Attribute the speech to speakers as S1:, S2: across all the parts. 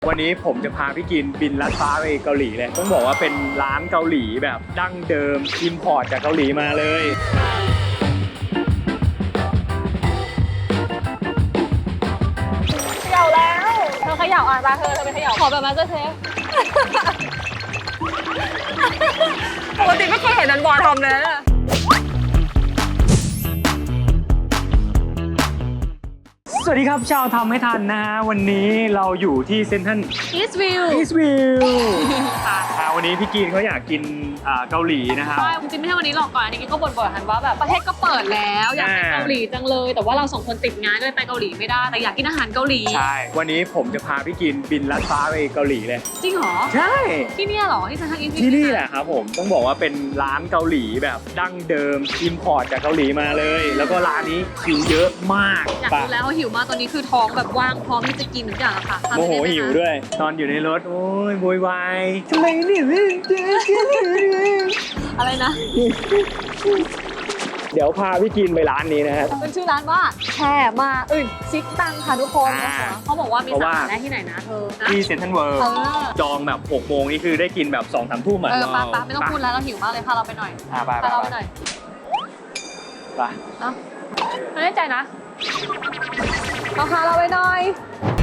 S1: วันนี้ผมจะพาพี่กินบินลัดฟ้าไปเกาหลีเลยต้องบอกว่าเป็นร้านเกาหลีแบบดั้งเดิมอิมพอร์ตจากเกาหลีมาเลย
S2: เขย่าแล้วเธอเขย่าอ่ะตาเธอไปเขย่าขอแบบมาสเตอร์เชฟปกติไม่เคยเห็นนันบอลทำเลยนะ
S1: สวัสดีครับชาวทำให้ทันนะฮะวันนี้เราอยู่ที่เซ็นทรัล
S2: อีสต์วิว
S1: วันนี้พี่กินเขาอยากกินเกาหลีนะครับ
S2: ใช่จริงๆไม่ใช่วันนี้หรอกก่อนอันนี้ก็บ่นๆกันว่าแบบประเทศก็เปิดแล้วอยากไปเกาหลีจังเลยแต่ว่าเราสองคนติดงานก็เลยไปเกาหลีไม่ได้แต่อยากกินอาหารเกาหลี
S1: ใช่วันนี้ผมจะพาพี่กินบินลัดฟ้าไปเกาหลีเลย
S2: จริงเหรอ
S1: ใช่
S2: ที่นี่เหรอที่เซ็นทรัลอีสต์วิว
S1: ที่นี่แหละครับผมต้องบอกว่าเป็นร้านเกาหลีแบบดั้งเดิมอิมพอร์ตจากเกาหลีมาเลยแล้วก็ร้านนี้คิวเยอะมาก
S2: อยากรู้แล้วว่าหิวมากตอนนี้คือท้องแบบว่างพร้อมที่จะกินทุกอย่างอะค่ะ
S1: โมโหหิวด้วยตอนอยู่ในรถโอ้ยโวยวายทำไมเนี่ย
S2: อะไรนะ
S1: เดี๋ยวพาพี่กินไปร้านนี้นะครับ
S2: เป็นชื่อร้านว่าแช่มาซิกตังค่ะทุกคนเขาบอกว่ามีสาขาได้ที่ไหนนะเธอ
S1: ที่เซ็นทรัลเวิลด์จองแบบ6 โมงนี่คือได้กินแบบ2-3 ทุ่มอ่ะ
S2: ปะไม่ต้องพูดแล้วเราหิวมากเลยพาเราไปหน่อยพาเราไปหน่อย
S1: ไป
S2: ไม่แน่ใจนะพาเราไปหน่อย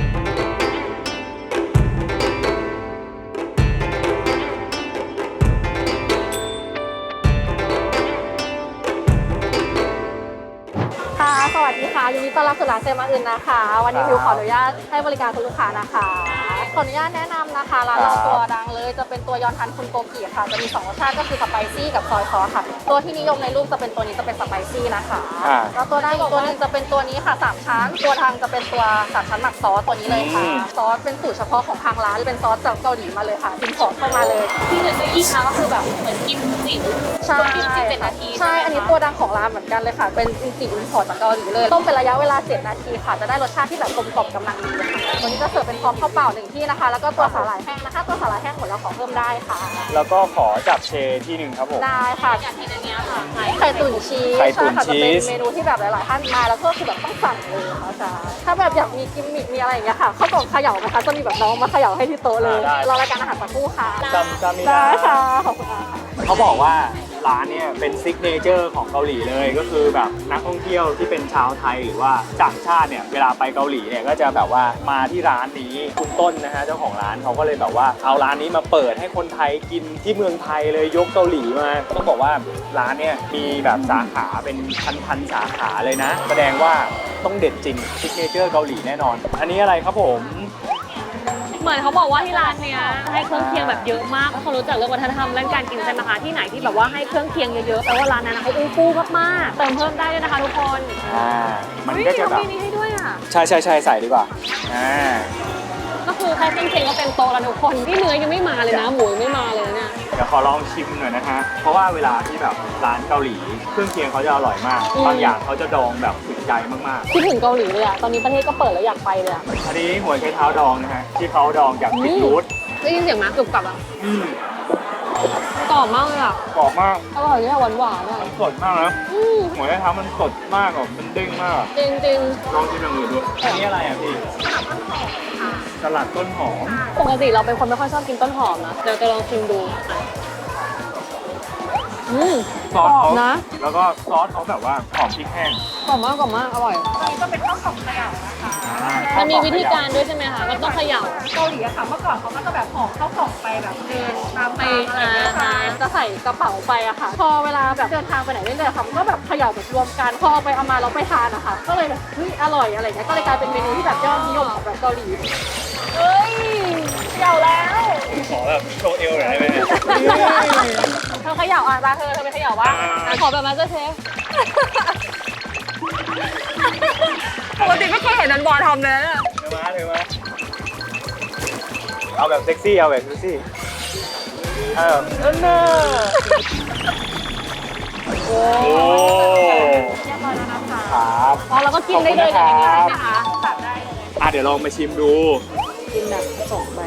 S2: ค่ะสวัสดีค่ะยินดีต้อนรับสู่ร้านเซมาอึนนะคะวันนี้มิวขออนุญาตให้บริการคุณลูกค้านะคะขออนุญาตแนะนำนะคะร้านเราตัวดังเลยจะเป็นตัวยอนทันคุณโกกิค่ะจะมี2รสชาติก็คือสไปซี่กับซอยซอสค่ะตัวที่นิยมในรูปจะเป็นตัวนี้จะเป็นสไปซี่นะคะแล้วตัวดังอีกตัวนึงจะเป็นตัวนี้ค่ะ3ชั้นตัวทางจะเป็นตัว3ชั้นหมักซอสตัวนี้เลยค่ะซอสเป็นสูตรเฉพาะของทางร้านเป็นซอสจากเกาหลีมาเลยค่ะอินพอร์ตเข้ามาเลยที่จะอีกนะก็คือแบบเหมือนกินจิ๋วใช่7 นาทีใช่อันนี้ตัวดังของร้านเหมือนกันเลยค่ะเป็นจิ๋วอินพอร์ตจากเกาหลีเลยต้มเป็นระยะเวลา7 นาทีค่ะจะได้รสชาติที่แบบกลมกล่อมกำลังดีค่ะตัวนี้จะเสิร์ฟเป็นพร้อมข้าวเปล่า1ที่นะคะแล้วก็ตัวสาหร่ายแห้งนะคะตัวสาหร่ายแห้งหมดแล้วขอเพิ่มได้ค่ะ
S1: แล้วก็ขอจับเชที่1ครับผม
S2: ได้ค่ะอย่างที่ในนี้ค่ะไข่ตุ๋นชีสใช่ค่ะจะเป็นเมนูที่แบบหลายๆท่านมาแล้วก็คือแบบต้องสั่งเลยค่ะใช่ถ้าแบบอยากมีกิมมิคมีอะไรอย่างเงี้ยค่ะข้าวกล่องเขย่านะคะจะมีแบบน้องมาเขย่าให้ที่โต๊ะเลยรอรายการอาหารสักครู่ค่ะ
S1: จำไม่
S2: ได้ค่ะขอบคุณค่ะ
S1: เขาบอกว่าร้านเนี่ยเป็นซิกเนเจอร์ของเกาหลีเลยก็คือแบบนักท่องเที่ยวที่เป็นชาวไทยหรือว่าต่างชาติเนี่ยเวลาไปเกาหลีเนี่ยก็จะแบบว่ามาที่ร้านนี้คุณต้นนะฮะเจ้าของร้านเขาก็เลยแบบว่าเอาร้านนี้มาเปิดให้คนไทยกินที่เมืองไทยเลยยกเกาหลีมาต้องบอกว่าร้านเนี่ยมีแบบสาขาเป็นพันสาขาเลยนะแสดงว่าต้องเด็ดจริงซิกเนเจอร์เกาหลีแน่นอนอันนี้อะไรครับผม
S2: เหมือนเขาบอกว่าที่ร้านเนี้ยให้เครื่องเคียงแบบเยอะมากเขารู้จักเรื่องวัฒนธรรมเรื่องการกินใช่ไหมคะที่ไหนที่แบบว่าให้เครื่องเคียงเยอะๆแต่ว่าร้านนั้นเขาอู้ฟู่มากๆเติมเพิ่มได้ด้วยนะคะทุกคน
S1: มันก็จะแบบ
S2: มีนี้ให้ด้วยอ่ะ
S1: ใช่ใส่ดีกว่า
S2: ก็คือแค่เครื่องเคียงก็เต็มโต๊ะแล้วทุกคนที่เนื้อยังไม่มาเลยนะหมูยังไม่มาเลยเนี่ย
S1: เดี๋ยวขอลองชิมหน่อยนะฮะเพราะว่าเวลาที่แบบร้านเกาหลีเครื่องเคียงเขาจะอร่อยมากบางอย่างเขาจะดองแบบสุดใจมาก
S2: ๆคิดถึงเกาหลีเลยอ่ะตอนนี้ประเทศก็เปิดแล้วอยากไปเลยอ่ะ
S1: อันนี้หัวไชเท้าดองนะฮะที่เขาดองจากพริกรูท
S2: ได้ยินเสียงไหมกรุบกรับอ่ะกรอบมากเลยอ่ะ
S1: กรอบมาก
S2: อร่อยด้วยหวานๆอ่ะ
S1: สดมากนะหัวไชเท้ามันสดมากมันเด้งมาก
S2: จริง
S1: ลองชิมอย่างอื่นดูอันนี้อะไรอ่ะพี่สลัดต้นหอม
S2: ปกติเราเป็นคนไม่ค่อยชอบกินต้นหอมนะเดี๋ยวจะลองชิมดู
S1: ซอสเขานะแล้วก็ซอสเขาแบบว่าหอมพริกแห้ง
S2: กรอบมากอร่อยอันนี้ก็เป็นข้าวกล่องเขย่านะคะมันมีวิธีการด้วยใช่ไหมคะมันต้องเขย่า
S3: เกาหลีอะค่ะเมื่อก่อนเขาก็จะแบบห่อข้าวกล่องไปแบบเดินตาม
S2: ไป
S3: อะไร
S2: จะใส่กระเป๋าไปอะค่ะพอเวลาแบบเดินทางไปไหนเรื่อยๆค่ะมันก็แบบเขย่าแบบรวมกันพอไปเอามาเราไปทานอะค่ะก็เลยแบบเฮ้ยอร่อยอะไรเงี้ยก็เลยกลายเป็นเมนูที่แบบยอดนิยมของแบบเกาหลี
S3: เฮ้ยเขย่าแล้ว
S1: ขอแบบโชว์เอวหน่อยได้ไหม
S2: เธอเขย่าอ่ะตาเธอไปเขย่าว่าขอแบบมาสเตอร์เชฟ
S3: ปกติไม่เคยเห็นนันบอลทำเลยนะ
S1: เดี๋ยวมาเอาแบบเซ็กซี่เอาแบบเซ็กซี่เน่าโอ้
S3: เรียบร้อยแล้วนะคะ
S1: ครับ
S2: อ๋อแล้วก็กินได้เลยอย่างนี้ใช่ไหมคะ
S3: ตัดได้เลย
S1: เดี๋ยวลองมาชิมดู
S2: กินแบบส่งไป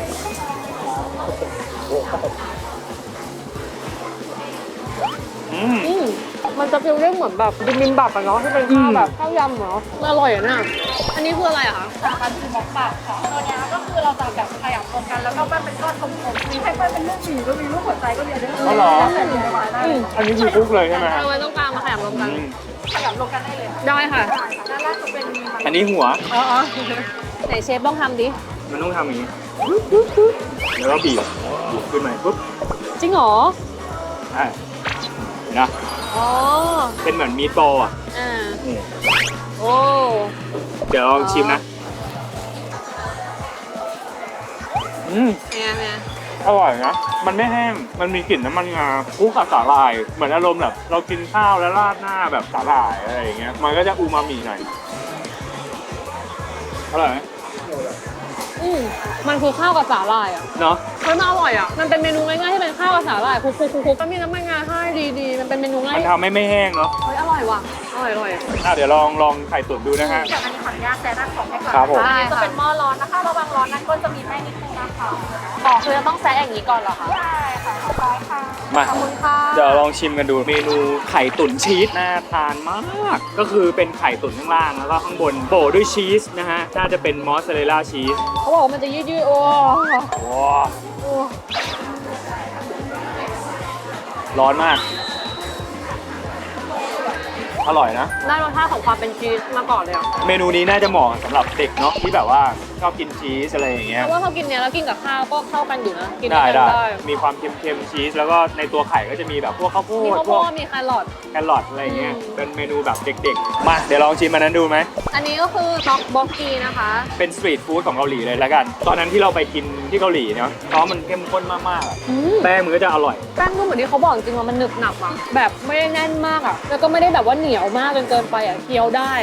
S2: มันจะฟีลลิ่งเหมือนแบบบิบิมบับอะเนาะที่เป็นข้าวแบบข้าวยำเนาะอร่อยอะเนี่ยอันนี้คืออะไรอะคะ
S3: สาปันคือม็อกบักค่ะตัวเนี้ยก็คือเราจะแบบขยับรวมกันแล้วก็ปั้นเป็นก้อนกลมๆมีให้ปั้นเป็นรูปหมีก็มีรูปหัวใจก็มีด้วย
S1: อ๋อเหรอ
S3: แล้วแต่จะมาได้
S1: อันนี้คือคุกเลยใช่ไหมฮะ
S2: เอาไว้ต้องกลางมาขยำรวมกัน
S1: อืม
S3: ขยับรวมกันได้เลย
S2: ได้ค่ะ
S3: ใช่ค่ะด้านล่างจะเป็นมัน
S1: อันนี้หัว
S2: อ๋อไหนเชฟต้องทำดิ
S1: มันต้องทำอย่างนี้แล้วก็บีบขึ้นมาปุ๊บ
S2: จริงเหรอ
S1: อ่ะเห็นนะ
S2: อ๋อ
S1: เป็นเหมือนมีดบอลอ่ะ
S2: อ่า
S1: นี่
S2: โอ้
S1: เดี๋ยวลองชิมนะอืม
S2: เนี่ย
S1: อร่อยนะ มันไม่แห้ง มันมีกลิ่นน้ำมันงาคู่กับสาหร่าย เหมือนอารมณ์แบบเรากินข้าวแล้วราดหน้าแบบสาหร่ายอะไรอย่างเงี้ย มันก็จะอูมามิหน่อย อร่อยไหม
S2: มันคือข้าวกับสาหร่ายอ่ะ
S1: เนาะ
S2: เฮ้ยมันอร่อยอ่ะ มันเป็นเมนูง่ายๆที่เป็นข้าวกับสาหร่ายคลุกๆๆก็มีน้ำมันงาให้ดีๆ มันเป็นเมนูง่าย
S1: มันทำให้ไม่แห้งเนาะ
S2: เฮ้ยอร่อยว่ะ อร่อย
S1: เดี๋ยวลองไข่ตุ๋นดูนะฮะ
S3: จากอันนี้ขออนุญาตแซะด้านของให้ก่อน
S1: ครับผม
S3: อันนี้จะเป็นหม้อร้อนนะคะระวังร้อนนั้นก็จะมีแป้งนิดนึงนะคะ
S2: อ๋อคือจะต้องแซะอย่างนี้ก่อนเหรอคะ
S3: ใช่ค่ะขอบคุณค่ะ
S1: มา
S2: ขอบคุณค่ะ
S1: เดี๋ยวลองชิมกันดูเมนูไข่ตุ๋นชีสน่าทานมาก ก็คือเป็นไข่ตุ๋นข้างล่างแล้วก็ข้างบนโปะด้วยชีสนะฮะ น่าจะเป็นมอสซาเรลล่าชีส
S2: เขาบอกว่ามันจะยืดๆโอ้
S1: ว้าร้อนมาก อร่อยนะ
S2: ได้รสชาติของความเป็นชีสมาก่อนเลยอ่ะ
S1: เมนูนี้น่าจะเหมาะสำหรับเด็กเนาะที่แบบว่าชอบกินชีสอะไรอย่างเงี้ย
S2: เพราะว่าเขากินเนี้ยแล้วกินกับข้าวก็เข้ากันอยู่นะ กิน
S1: ได้
S2: ด้วยกัน
S1: ได้
S2: ได้
S1: มีความเค็มๆชีสแล้วก็ในตัวไข่ก็จะมีแบบพวกข้าวโพ
S2: มี
S1: ด
S2: ข้าว
S1: พ
S2: โพ
S1: วก
S2: ดมีแครอท
S1: แครอทอะไรเงี้ย
S2: อืม
S1: เป็นเมนูแบบเด็กๆ มาเดี๋ยวลองชิมมันนั้นดูไหม
S2: อันนี้ก็คือต็อกบ็อกกีนะคะ
S1: เป็นสตรีทฟู้ดของเกาหลีเลยแล้วกัน ตอนนั้นที่เราไปกินที่เกาหลีเนาะเพราะมันเข้มข้นมากๆอะแป้งมันก็จะอร่อย
S2: แป้งก็เหมือนที่เขาบอกจริงๆว่ามันหนึบหนับอ่ะ แบบไม่ได้แน่นมากอ่ะ แล้วก็ไม่ได้แบบว่าเหนียวมากจนเกินไปอ่ะ เคี้ยวได้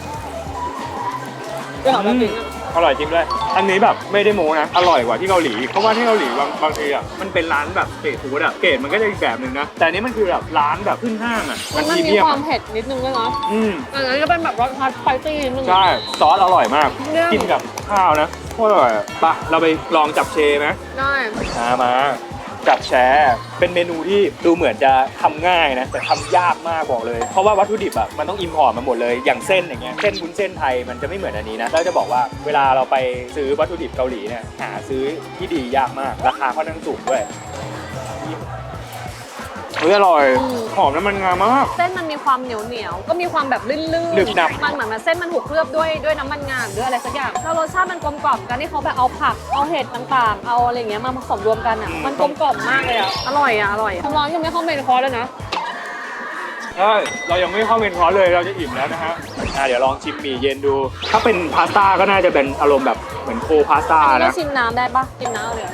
S2: ก็หอมแบบนี้อะ
S1: อร่อยจริงด้วย อันนี้แบบไม่ได้โม้นะ อร่อยกว่าที่เกาหลี เพราะว่าที่เกาหลีบางทีอ่ะ มันเป็นร้านแบบสตรีทฟู้ดอ่ะ เกรดมันก็จะอีกแบบหนึ่งนะ แต่อันนี้มันคือแบบร้านแบบขึ้นห้างอ่ะ
S2: มัน
S1: พรี
S2: มี
S1: เมียม
S2: ความ
S1: อะ
S2: เผ็ดนิดนึงด้วยเนาะ
S1: อืม
S2: อันนั้นก็เป็นแบบรสชาติสไปซี่นิดนึง
S1: ใช่ ซอสอร่อยมาก
S2: เนี่ย
S1: กินกับข้าวนะโคตรอร่อยอะไปเราไปลองจับเชไหม
S2: ได้
S1: มาจับแชร์เป็นเมนูที่ดูเหมือนจะทำง่ายนะ แต่ทำยากมากบอกเลย เพราะว่าวัตถุดิบอ่ะมันต้องอิมพอร์ตมาหมดเลย อย่างเส้นอย่างเงี้ย เส้นวุ้นเส้นไทยมันจะไม่เหมือนอันนี้นะแล้วจะบอกว่าเวลาเราไปซื้อวัตถุดิบเกาหลีเนี่ย หาซื้อที่ดียากมาก ราคาค่อนข้างสูงด้วยเฮ้ยอร่อย หอมน้ำมันงามาก
S2: เส้นมันมีความเหนียวๆ ก็มีความแบบลื่นๆ
S1: หนึบหนับ
S2: มันเหมือนมันเส้นมันถูกเคลือบด้วยน้ำมันงาหรืออะไรสักอย่าง แล้วรสชาติมันกลมกล่อมกันที่เขาแบบเอาผัก เอาเห็ดต่างๆ เอาอะไรอย่างเงี้ยมาผสมรวมกันอ่ะ มันกลมกล่อมมากเลยอ่ะ อร่อยอ่ะ อร่อยคุณร้อนยังไม่เข้าเมนคอร์สเลยนะ
S1: ใช่เรายังไม่เข้าเมนคอร์สเลยเราจะอิ่มแล้วนะฮะเดี๋ยวลองชิมหมี่เย็นดู ถ้าเป็นพาสต้าก็น่าจะเป็นอารมณ์แบบเหมือนโคพาสต้า
S2: อันนี้
S1: นะ
S2: ก็ชิมน้ำได้ปะชิมน้ำเลย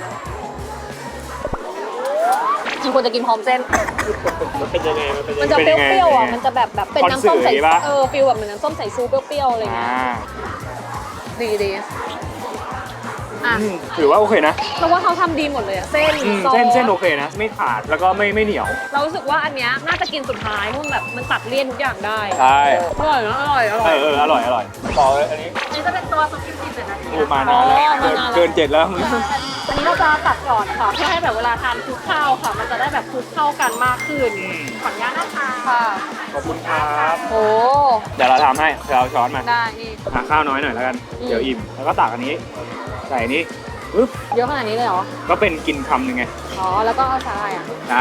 S2: มันควรจะกินพร้อมเส้น
S1: มันเป็นยังไง
S2: มันจะเปรี้ยวๆอ่ะ มันจะแบบเป็นน้ำส้มใส่
S1: คอนสึปะ
S2: ฟิลแบบเหมือนน้ำส้มใส่ซูเปรี้ยวๆอะไรเงี้ย ดีอ่ะ
S1: ถือว่าโอเคนะ
S2: เราว่าเขาทำดีหมดเลยอ่ะ เส้นซอส
S1: เส้นโอเคนะ ไม่ขาดแล้วก็ไม่เหนียว
S2: เรารู้สึกว่าอันเนี้ยน่าจะกินสุดท้ายเพราะมันแบบมันตัดเลี่ยนทุกอย่างได้
S1: ใช่
S2: อร่อยนะอร่อย
S1: อร่อยต่อเลยอันนี้
S3: อันนี้จะเป็นตัวซุปกิมจิ7นาที
S1: พูดมานานแล้ว
S2: มานานแล้ว
S1: เกิน7แล้ว
S3: อันนี้เราจะตัดก่อนค่ะเพื่อให้แบบเวลาทานคลุกข้าวค่ะ มันจะได้แบบคลุกเข้ากันมากขึ้น ขออนุญาตนะคะ
S2: ค่ะ
S1: ขอบคุณครับ
S2: โอ้
S1: เดี๋ยวเราทำให้เดี๋ยวเราช้อนมา
S2: ได้นี่
S1: หาข้าวน้อยหน่อยแล้วกัน
S2: อืม
S1: เดี๋ยวอิ่ม แล้วก็ตักอันนี้ ใส่อันนี้ปึ๊บ
S2: เยอะขนาดนี้เลยเหรอ
S1: ก็เป็นกินคำหนึ่งไง
S2: อ๋อ แล้วก็เอาชาอะไรอ่ะ
S1: ได้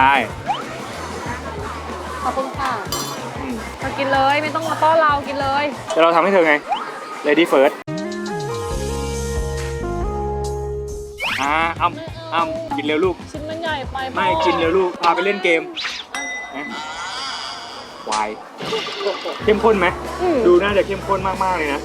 S2: ขอบคุณค่ะ
S1: อืม
S2: มากินเลยไม่ต้องมาต้อนเรากินเลย
S1: เดี๋ยวเราทำให้เธอไง Lady First อ้ำกินเร็วลูก
S2: ชิ้นมันใหญ่ไป
S1: ไม่กินเร็วลูก พาไปเล่นเกมนะวายเข้มข้นไหม ดูน่าจะเข้มข้นมากๆเลยนะ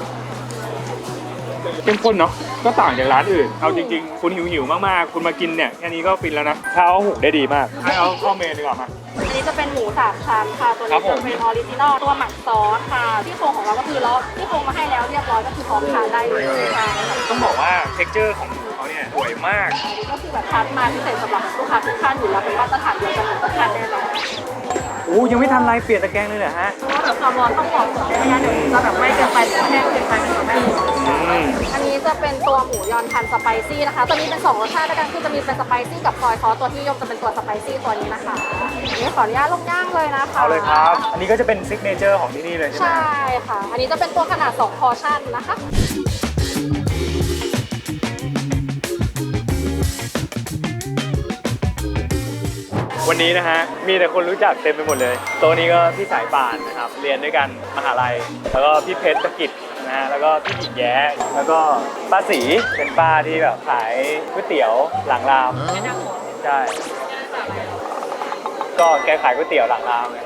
S1: เข้มข้นเนาะ ก็ต่างจากร้านอื่น เอาจริงๆ คุณหิวๆ มากๆ คุณมากินเนี่ยแค่นี้ก็ฟินแล้วนะข้าวหุงได้ดีมาก ให้เอาเข้าเมนดีกว่ามา
S3: อันนี้จะเป็นหมู3ชั้นค่ะ ตัว
S1: ครั
S3: นี้
S1: บผม
S3: จะเป็นออริจินอลตัวหมักซอสค่ะ ที่โครงของเราก็คือเราที่โครงมาให้แล้วเรียบร้อยก็คือพร้อมทานได้เลยค่ะ
S1: ต้องบอกว่าเท็กเจอร์ของเขาเนี่ยสวยมาก
S3: อันนี้ก็คือแบบคัดมาพิเศษสำหรับลูกค้าทุกท่านอยู่แล้วเป็นมาตรฐานเดียวกันทุกท่านแน่นอน
S1: โอ้ยังไม่ทันไรเปลี่ยนตะแกรงเลยเหรอฮะ
S3: เพราะว่าแบบความร้อนต้องเหมาะสมไม่งั้นเดี๋ยวจะแบบไหม้เกินไปหรือว่าแห้งเกินไปมันจะไม่ดี
S2: อันนี้จะเป็นตัวหมูยอนทันสไปซี่นะคะตัวนี้เป็น2รสชาติด้วยกันคือจะมีเป็นสไปซี่กับซอยซอสตัวที่นิยมจะเป็นตัวสไปซี่ตัวนี้นะคะอันนี้ขออนุญาตลงย่างเลยนะคะ
S1: เอาเลยครับ อันนี้ก็จะเป็นซิกเนเจอร์ของที่นี่เลยใช่ไหม
S2: ใช่ค่ะ อันนี้จะเป็นตัวขนาด2พอร์ชั่นนะคะ
S1: วันนี้นะฮะมีแต่คนรู้จักเต็มไปหมดเลยโต๊ะนี้ก็พี่สายป่านนะครับเรียนด้วยกันมหาลัยแล้วก็พี่เพชรธกิจนะฮะแล้วก็พี่หญิงแย้แล้วก็ป้าศรีเป็นป้าที่แบบขายก๋วยเตี๋ยวหลังรามใช่ก็แกขายก๋วยเตี๋ยวหลังรามเลย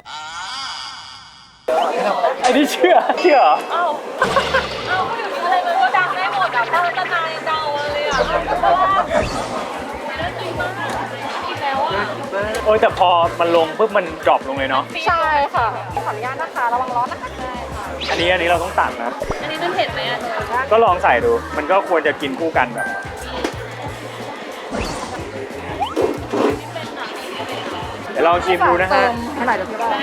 S1: ไอ้นี่เชื่อเหรอ
S3: เอ้าเดี๋ยวนี้อะไรมันก็ดังได้หมดอ่ะเจ้าตนายเจ้าเลยอ่ะเพราะว่าไม่ได้กินมากกินแล้วอ่ะ
S1: โอ้ยแต่พอมันลงปุ๊บมันดรอปลงเลยเนาะ
S2: ใช่ค่ะ ขออนุญาตนะคะ ระวังร้อนนะคะ
S1: อันนี้เราต้องตักนะ
S3: อันนี้มันเผ็ดไหมอ่ะ
S1: ก็ลองใส่ดูมันก็ควรจะกินคู่กันแบบ เดี๋ยวลองชิมดูนะฮะ
S2: ให้หน่อยเดี๋ยวพี่บอก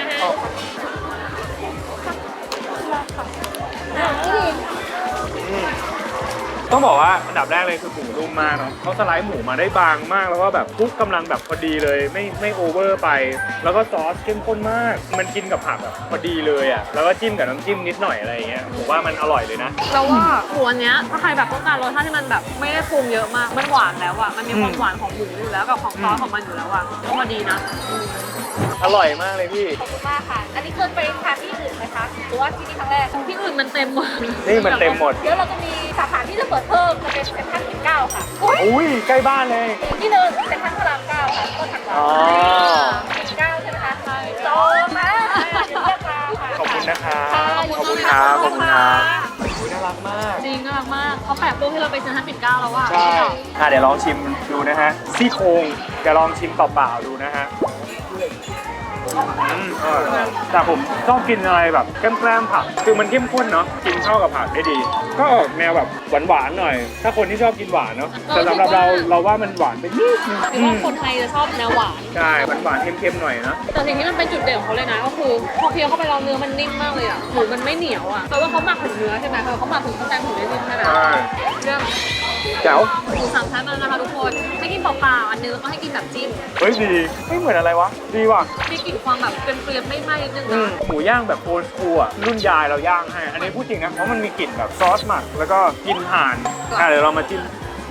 S1: ต้องบอกว่าอันดับแรกเลยคือหมูนุ่มมากเนาะเขาสไลด์หมูมาได้บางมากแล้วก็แบบคลุกกำลังแบบพอดีเลยไม่โอเวอร์ไป แล้วก็ซอสเข้มข้นมาก มันกินกับผักแบบพอดีเลยอ่ะแล้วก็จิ้มกับน้ำจิ้มนิดหน่อยอะไรอย่างเงี้ยผมว่ามันอร่อยเลยนะ
S3: เราว่าหมูอันเนี้ยถ้าใครแบบต้องการรสชาติที่มันแบบไม่ได้ปรุงเยอะมากมันหวานแล้วอ่ะมันมีความหวานของหมูอยู่แล้วกับของซอสของมันอยู่แล้วอ่ะก็พอดีนะ
S1: อร่อยมากเลยพี่
S2: ขอบคุณมากค่ะ อันนี้เคยไปทานที่อื่นไหมคะ หรือว่าที่นี่ครั้งแรก
S3: ที่อื่นมันเต็มหมด
S1: นี่มันเต็มหมด
S2: เดี๋ยวเราจะมีสาขาที่จะเปิดเพิ่มจะเป็นเซ็นทรัลปิ่นเกล้าค่ะ
S1: อุ้ยใกล้บ้านเลย
S2: อีกที่หนึ่งเซ็นทรัลพระรามเก้าค่ะต้นถัง
S1: อ๋อ
S2: ปิ่นเกล้าใช่ไหมคะจองนะเดี๋ยวเรียกมาค่ะ
S1: ขอบคุณนะครับ
S2: ค่ะ
S1: ขอบคุณครับขอบคุณครับอุ๊ยน่ารักมาก
S3: จริงน่ารักมากเขาแปะรูปให้เราไปเซ็นทรัลปิ่นเกล้าแล้วอ่ะ
S1: ใช่เดี๋ยวลองชิมดูนะฮะซี่โครงเดี๋ยวลองชิมเปล่าๆดูนะฮะอร่อยแต่ผมชอบกินอะไรแบบแกล้มๆผักคือมันเข้มข้นเนาะกินเข้ากับผักได้ดี ก็ออกแนวแบบหวานๆหน่อย ถ้าคนที่ชอบกินหวานเนาะแต่สำหรับเราว่ามันหวานไปนิดนึง
S3: หรือว่าคนไทยจะชอบแนวหวาน
S1: ใช่หวานๆเค็มๆหน่อยนะ
S3: แต่สิ่งที่มันเป็นจุดเด่นของเขาเลยนะก็คือพอเคี้ยวเข้าไปแล้วเนื้อมันนิ่มมากเลยอ่ะหมูมันไม่เหนียวอ่ะแปลว่าเขาหมักถึงเนื้อใช่ไหมเขาหมักถึงข้างในถึงได้นิ่มใช่ไหม
S1: ใช่
S3: เรื่อง
S1: แจ๋ว
S3: หมูสามชั้นมาแล้วนะคะทุกคนให้กินเปล่าๆอันนึงแล้วก็ให้กินแบบจิ้ม
S1: เฮ้ยดีไม่เหมือนอะไรวะดีว่ะ
S3: มีกลิ่นความแบบเปรี้ยวๆไม่ไหม้นิดนึง
S1: อืม
S3: นะ
S1: หมูย่างแบบโอลด์สคูลอ่ะรุ่นยายเราย่างให้ อันนี้พูดจริงนะเพราะมันมีกลิ่นแบบซอสหมักแล้วก็กลิ่นห่านเดี๋ยวเรามาจิ้ม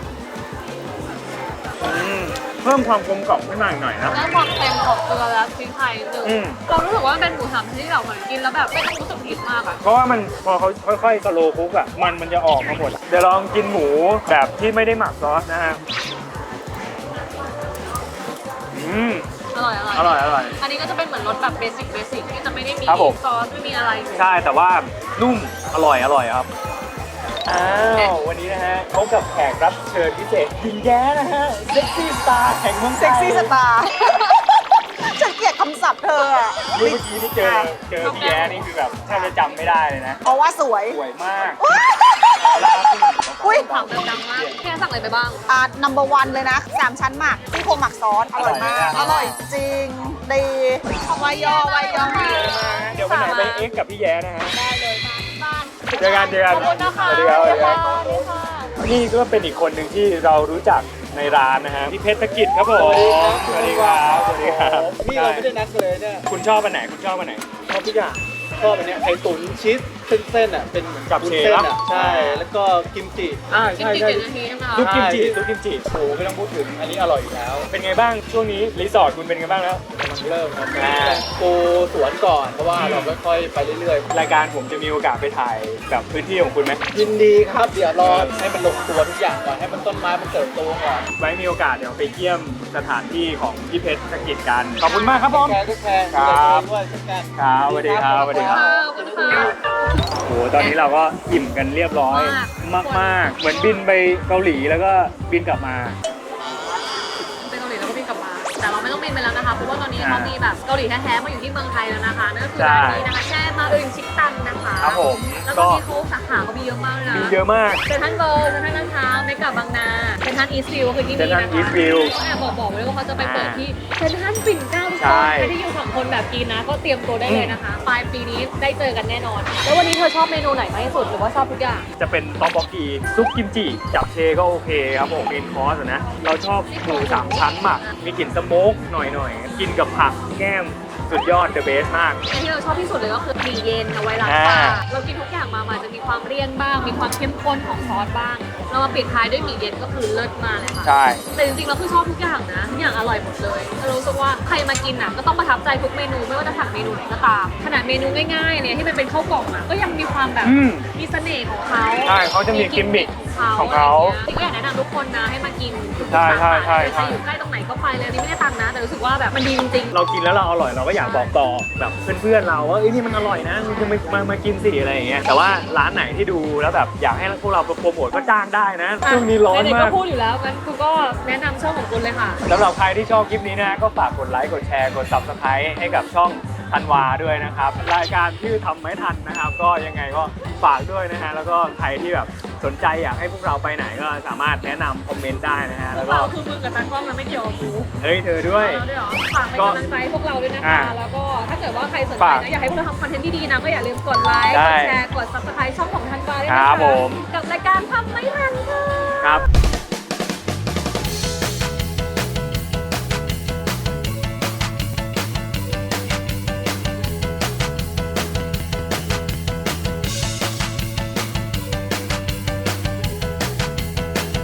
S1: เพิ่มความกลมกล่อมขึ้นมาอีกหน่อยนะ
S3: แล้วความเค็มของเกลือและพริกไทยหนึ่ง
S1: อืม
S3: เรารู้สึกว่ามันเป็นหมูสามชั้นที่เราเหมือนกินแล้วแบบไม่ต้องรู้สึกผิดมากอ่ะ
S1: เพราะว่ามันพอเขาค่อยๆสโลว์คุกอ่ะมันจะออกมาหมด เดี๋ยวลองกินหมูแบบที่ไม่ได้หมักซอสนะฮะ
S3: อร่อย
S1: อร่อย
S3: อันนี้ก็จะเป็นเหมือนรสแบบเบสิกที่จะไม่ได้มี
S1: ครับผม
S3: ซอสไม่มีอะไรอยู่
S1: ใช่แต่ว่านุ่มอร่อยครับอ้าววันนี้นะฮะพบกับแขกรับเชิญพิเศษหญิงแย้นะฮะเซ็กซี่สตาร์แห่งเมืองไทย
S4: เซ็กซี่สตาร์ ฉันเกลียดคำศัพท์เธออะ
S1: เมื่อกี้ที่เจอพี่แย้นี่คือแบบแทบจะจำไม่ได้เลยนะ
S4: เพราะว่าสวย
S1: สวยมาก
S4: อุ้ย
S3: ถามแบบดังมากแค่สั่งอะไรไปบ้าง
S4: number one เลยนะ3ชั้นหมักซี่โครงหมักซอส อร่อยมาก อร่อยจริง ดีวายอมาก
S1: เดี๋ยววันไหนไปเอ็กซ์กับพี่แย้นะฮะ
S4: ได้เลยบ้าน
S1: เจอกัน
S3: ขอบคุณนะคะ
S1: สวัสดีครับ
S3: สวัสดีค่ะ
S1: นี่ก็เป็นอีกคนหนึ่งที่เรารู้จักในร้านนะฮะพี่เพชรธกิจครับผมสวัสดีครับสวัสดีครับ
S5: นี่เราไม่ได้นัดกันเลยเนี่ย
S1: คุณชอบอันไหนคุณชอบอันไหน
S5: ชอบทุกอย่างชอบอันเนี้ยไข่ตุ๋นชีสเส้นๆอ่ะเป็นเหมือน
S1: กับ
S5: วุ้น
S1: เช
S5: เส้น
S1: ฟ
S5: อ่ะใช่แล้วก็กิมจิ
S3: กินติด7 นาทีใช่ไหมคะ
S1: ซุปกิมจิซุปกิมจิ
S5: โอ้ไม่ต้องพูดถึงอันนี้อร่อยอยู่แล้ว
S1: เป็นไงบ้างช่วงนี้รีสอร์ทคุณเป็นไงบ้างแล้ว
S5: กำลังเริ่มครับ
S1: อ่า
S5: ปูสวนก่อนเพราะว่าเราค่อยๆไปเรื่อย
S1: รายการผมจะมีโอกาสไปถ่ายแบบพื้นที่ของคุณไหม
S5: ๆยินดีครับเดี๋ยวรอให้มันลงตัวทุกอย่างก่อนให้มันต้นไม้มันเติบโตก่อน
S1: ไว้มีโอกาสเดี๋ยวไปเยี่ยมสถานที่ของพี่เพชรธกิจกันขอบคุณมากครับผม
S5: ทุกแพง
S1: ครับ
S5: ด้วยเช่นกัน
S1: ครับสวัสดีครับสวัสดีครับ
S3: ขอบคุณค่ะ
S1: โหตอนนี้เราก็อิ่มกันเรียบร้อยมากๆ เหมือนบินไปเกาหลีแล้วก็บินกลับมา
S3: เป็นเกาหลีแล้วก็บินกลับมา แต่เราไม่ต้องเมนไปแล้วนะคะเพราะว่าตอนนี้เขามีแบบเกาหลีแท้ๆมาอยู่ที่เมืองไทยแล้วนะคะนั่นก็คือร้านนี้นะคะแช่มาอึนชิคตันนะคะ
S1: ครับผม
S3: แล้วก็มีเขาสาขาเขามีเยอะมากเลยนะ
S1: มีเยอะมาก
S3: เซ็นทรัลเวิลด์เซ็นทรัลลาดพร้าวเมกะบางนาเซ็นทรัลอีสต์วิวคือที่นี่นะคะ
S1: เซ็นทรัล Eastview
S3: เขาแอบบอกไว้เลยว่าเขาจะไปเปิดที่เซ็นทรัลปิ่นเกล้าทุก
S1: ใช่
S3: คนใครที่อยู่ฝั่งคนแบบกินนะก็เตรียมตัวได้เลยนะคะปลายปีนี้ได้เจอกันแน่นอน แล้ววันนี้เธอชอบเมนูไหนมากที่สุดหรือว่าชอบทุกอย่าง
S1: จะเป็นต๊อกบกกีซุปกิมจิจับเชก็โอเคครับผมเมนคอร์สนะเราชอบหมูสามชั้นหมักมีกลิ่นสโมกหน่อยๆกินกับผักแก้มสุดยอดเดอะเบสมาก
S3: อันที่เราชอบที่สุดเลยก็คือหมี่เย็นเอาไว้ล้างปากเรากินทุกอย่างมามันจะมีความเลี่ยนบ้าง มีความเข้มข้นของซอสบ้าง เรามาปิดท้ายด้วยหมี่เย็นก็คือเลิศมากเลยค่ะ
S1: ใช่
S3: แต่จริงๆเราคือชอบทุกอย่างนะทุกอย่างอร่อยหมดเลยเรารู้สึกว่าใครมากินอ่ะก็ต้องประทับใจทุกเมนูไม่ว่าจะสั่งเมนูไหนก็ตามขนาดเมนูง่ายๆเนี่ยที่มันเป็นข้าวกล่องอ่ะก็ยังมีความแบบ
S1: อืม
S3: มีเสน่ห์ของเขา
S1: ใช่เขาจะมีกิมมิคของเขา
S3: จริงๆก็อยากแนะนำทุกคนนะให้มากินทุก
S1: ใช่
S3: สา
S1: ใช่
S3: ขา
S1: ใช่
S3: ใครอยู่ใกล้ตรงไหนก็ไปเลยอันนี่ไม่ได้ตังค์นะ แต่รู้สึกว่าแบบมันดีจริงๆ
S1: เรากินแล้วเราอร่อยเราก็อยากบอกต่อแบบเพื่อนๆเราว่าเอ้ยนี่มันอร่อยนะมึงจะมากินสิอะไรอย่างเงี้ยแต่ว่าร้านไหนที่ดูแล้วแบบอยากให้พวกเราโปรโมทก็จ้างได้นะช่วงนี้ร้อน
S3: ไหๆ
S1: มา
S3: ก็
S1: ก
S3: พูดอยู่แล้วงั้นคุณก็แนะนำช่องของคุณเลยค่ะ
S1: สำหรับใครที่ชอบคลิปนี้นะก็ฝากกดไลค์กดแชร์กด Subscribe ให้กับช่องธันวาด้วยนะครับรายการชื่อทำไม่ทันนะครับก็ยังไงก็ฝากด้วยนะฮะแล้วก็ใครที่แบบสนใจอยากให้พวกเราไปไหนก็สามารถแนะนำคอมเมนต์ได้นะฮะ
S3: พ
S1: แล้ว ว
S3: ก
S1: ก็
S3: เราคือมึงกับตากล้องนะไม่เกี่ยวกับกู
S1: เฮ้ยเธอด้วย
S3: เราด้วยเหรอฝากเป็นกำลังใจให้พวกเราด้วยนะคะ แล้วก็ถ้าเกิดว่าใครสนใจ
S1: ฝาก
S3: นะอยากให้พวกเราทำคอนเทนต์ดีๆนะก็อย่าลืมกดไลค์
S1: ได้
S3: กดแชร์ กด subscribe ช่องของธันวาด้วย
S1: ค
S3: นะ
S1: รับ
S3: คะ
S1: ผม
S3: กับรายการทำไม่ทันค่ะ
S1: ครับ